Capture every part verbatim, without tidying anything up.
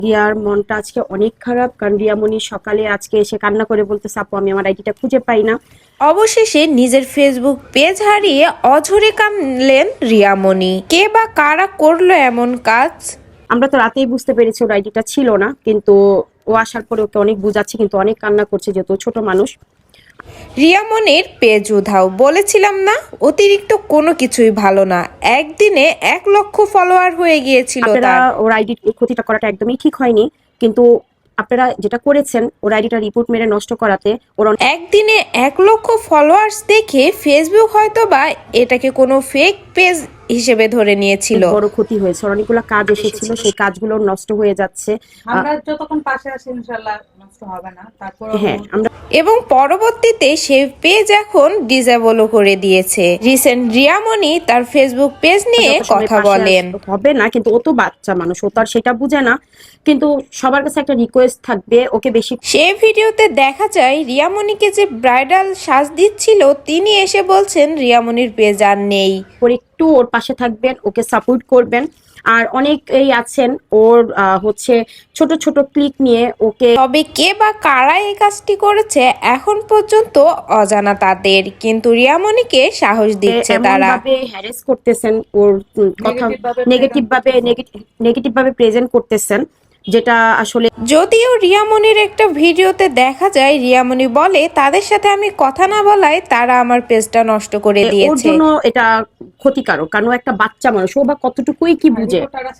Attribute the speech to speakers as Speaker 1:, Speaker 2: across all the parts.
Speaker 1: রিয়ার মনটা আজকে অনেক খারাপ, কারণ রিয়ামণি সকালে আজকে এসে কান্না করে বলতেছে, আপু আমি আমার আইডিটা খুঁজে পাই না।
Speaker 2: অবশেষে নিজের ফেসবুক পেজ হারিয়ে অঝরে কাঁদলেন রিয়ামণি। কে বা কারা করলো এমন কাজ?
Speaker 1: আমরা তো রাতেই বুঝতে পেরেছি ওর আইডিটা ছিল না, কিন্তু ও আসার পরে ওকে অনেক বুঝাচ্ছে, কিন্তু অনেক কান্না করছে, যেহেতু ছোট মানুষ।
Speaker 2: রিয়ামণির পেজ উধাও, বলেছিলাম না অতিরিক্ত কোনো কিছুই ভালো না। একদিনে এক লক্ষ ফলোয়ার হয়ে গিয়েছিল তার।
Speaker 1: ওর আইডি ক্ষতিটা করাটা একদমই ঠিক হয়নি, কিন্তু আপনারা যেটা করেছেন ওর আইডিটা রিপোর্ট মেরে নষ্ট করাতে ওর
Speaker 2: একদিনে এক লক্ষ ফলোয়ার্স দেখে ফেসবুক হয়তো বা এটাকে কোনো ফেক পেজ হিসেবে ধরে নিয়েছিল।
Speaker 1: বড় ক্ষতি হয়েছে, ওর অনেকগুলো কাজ এসেছিল, সেই কাজগুলো নষ্ট হয়ে যাচ্ছে।
Speaker 3: আমরা যতক্ষণ পাশে আছি ইনশাআল্লাহ নষ্ট হবে না। তারপর
Speaker 1: হ্যাঁ আমরা
Speaker 2: এবং পরবর্তীতে সে পেজ এখন ডিসেবলও করে দিয়েছে। রিসেন্ট রিয়ামণি তার ফেসবুক পেজ নিয়ে কথা বলেন।
Speaker 1: হবে না, কিন্তু ও তো বাচ্চা মানুষ, ও তো আর সেটা বুঝে না। কিন্তু সবার কাছে একটা রিকোয়েস্ট থাকবে, ওকে বেশি।
Speaker 2: সে ভিডিওতে দেখা যায় রিয়ামণিকে যে ব্রাইডাল সাজ দিচ্ছিল তিনি এসে বলছেন রিয়ামণির পেজ আর নেই।
Speaker 1: একটু ওর পাশে থাকবেন, ওকে সাপোর্ট করবেন। আর অনেকেই আছেন ওর হচ্ছে ছোট ছোট ক্লিক নিয়ে ওকে।
Speaker 2: তবে কে বা কারা এই কাজটি করেছে এখন পর্যন্ত অজানা তাদের, কিন্তু রিয়ামণিকে সাহস দিচ্ছে তারা।
Speaker 1: হ্যারাস করতেছেন, ওর কথা নেগেটিভ ভাবে নেগেটিভ ভাবে প্রেজেন্ট করতেছেন, যেটা আসলে।
Speaker 2: যদিও রিয়ামণির একটা ভিডিওতে দেখা যায় রিয়ামণি বলে তাদের সাথে আমি কথা না বলায় তারা আমার পেজটা নষ্ট করে দিয়েছে।
Speaker 1: ওর জন্য এটা ক্ষতিকারক, কারণ ও একটা বাচ্চা মানুষ, ও বা কতটুকুই কি বুঝে।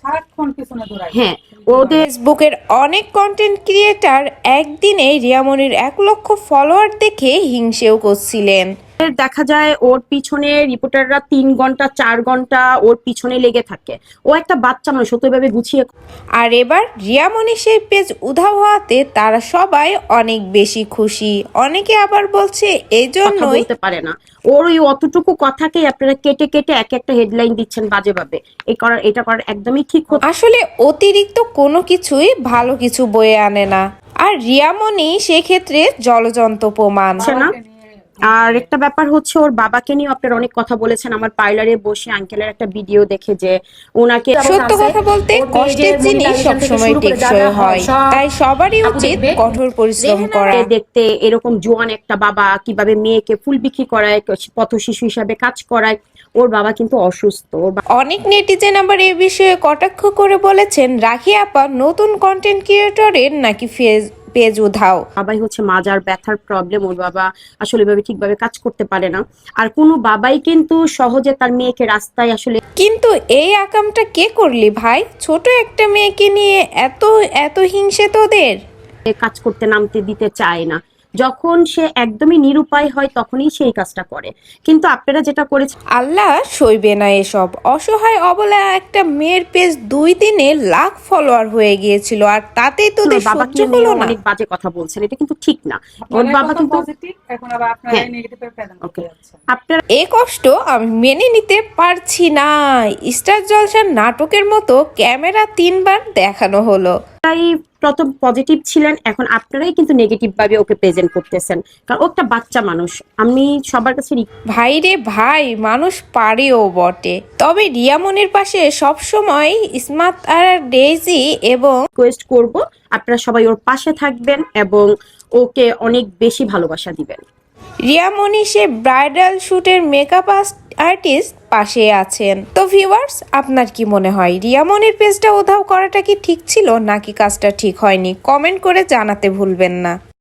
Speaker 1: হ্যাঁ,
Speaker 2: ওদের ফেসবুকের অনেক কন্টেন্ট ক্রিয়েটার একদিনে রিয়ামণির এক লক্ষ ফলোয়ার দেখে হিংসেও করছিলেন।
Speaker 1: দেখা যায় ওর পিছনে রিপোর্টাররা তিন ঘন্টা চার ঘন্টা ওর পিছনে লেগে থাকে। ও একটা বাচ্চা মানুষ, সত্যভাবে গুছিয়ে।
Speaker 2: আর এবার রিয়ামণি সেই পেজ উধাও হওয়াতে তারা সবাই অনেক বেশি খুশি। অনেকে আবার বলছে এই জন্যই
Speaker 1: বলতে পারে না, ওর ওই অতটুকু কথাকে আপনারা কেটে কেটে এক একটা হেডলাইন দিচ্ছেন বাজে ভাবে। এই করার এটা করার একদমই ঠিক হতো।
Speaker 2: আসলে অতিরিক্ত কোনো কিছুই ভালো কিছু বয়ে আনে না, আর রিয়ামণি সেক্ষেত্রে জলজন্ত প্রমাণ
Speaker 1: না। আর একটা ব্যাপার হচ্ছে, ওর বাবাকে নিয়ে আপনারা অনেক কথা বলেছেন। আমার পার্লারে বসে আঙ্কেলের একটা ভিডিও দেখে যে ওনাকে
Speaker 2: সত্য কথা বলতে কষ্টের জিনিস সবসময় টেকসই হয়, তাই সবারই উচিত কঠোর পরিশ্রম করা।
Speaker 1: দেখতে এরকম জোয়ান একটা বাবা কিভাবে মেয়েকে ফুল বিক্রি করায়, পথ শিশু হিসাবে কাজ করায়। ওর বাবা কিন্তু অসুস্থ।
Speaker 2: অনেক নেটিজেন আবার এই বিষয়ে কটাক্ষ করে বলেছেন রাখি আপা নতুন কন্টেন্ট ক্রিয়েটরের নাকি ফেস পেজ উধাও।
Speaker 1: বাবাই হচ্ছে মাজার ব্যথার প্রবলেম, ওর বাবা আসলে ভাবে ঠিকভাবে কাজ করতে পারে না। আর কোনো বাবাই কিন্তু সহজে তার মেয়েকে রাস্তায় আসলে।
Speaker 2: কিন্তু এই আকামটা কে করলি ভাই? ছোট একটা মেয়েকে নিয়ে এত এত হিংসে তোদের?
Speaker 1: কাজ করতে নামতে দিতে চায় না, যখন সে একদমই নিরুপায় হয় তখনই সেই কাজটা করে। কিন্তু আপনারা যেটা করেছেন,
Speaker 2: আল্লাহ সইবে না এসব। অসহায় অবলা একটা মেয়ের পেজ দুই দিনে লাখ ফলোয়ার হয়ে গিয়েছিল, আর তাতেই তোদের সহ্য হলো না।
Speaker 1: অনেক বাজে কথা বলছেন, এটা কিন্তু ঠিক না। ওর বাবা কিন্তু
Speaker 3: এখন আবার আপনারা নেগেটিভে প্রেজেন্ট করতে যাচ্ছেন।
Speaker 1: আপনারা
Speaker 2: এই কষ্ট আমি মেনে নিতে পারছি না। স্টার জলসার নাটকের মতো ক্যামেরা তিনবার দেখানো হলো।
Speaker 1: প্রথম পজিটিভ ছিলেন, এখন আপনারাই কিন্তু নেগেটিভ ভাবে ওকে প্রেজেন্ট করতেছেন, কারণ ও একটা বাচ্চা মানুষ। আমি সবার কাছে
Speaker 2: ভাই রে ভাই, মানুষ পারেও বটে, তবে রিয়ামণির পাশে সবসময় স্মার্ট আর ডেইজি এবং
Speaker 1: রিকোয়েস্ট করব আপনারা সবাই ওর পাশে থাকবেন এবং ওকে অনেক বেশি ভালোবাসা দিবেন।
Speaker 2: রিয়ামণি সে ব্রাইডাল শুটের মেকআপ আর্টিস্ট পাশে আছেন। তো ভিউয়ার্স, আপনার কি মনে হয় রিয়ামণির পেজটা উধাও করাটা কি ঠিক ছিল নাকি কাজটা ঠিক হয়নি? কমেন্ট করে জানাতে ভুলবেন না।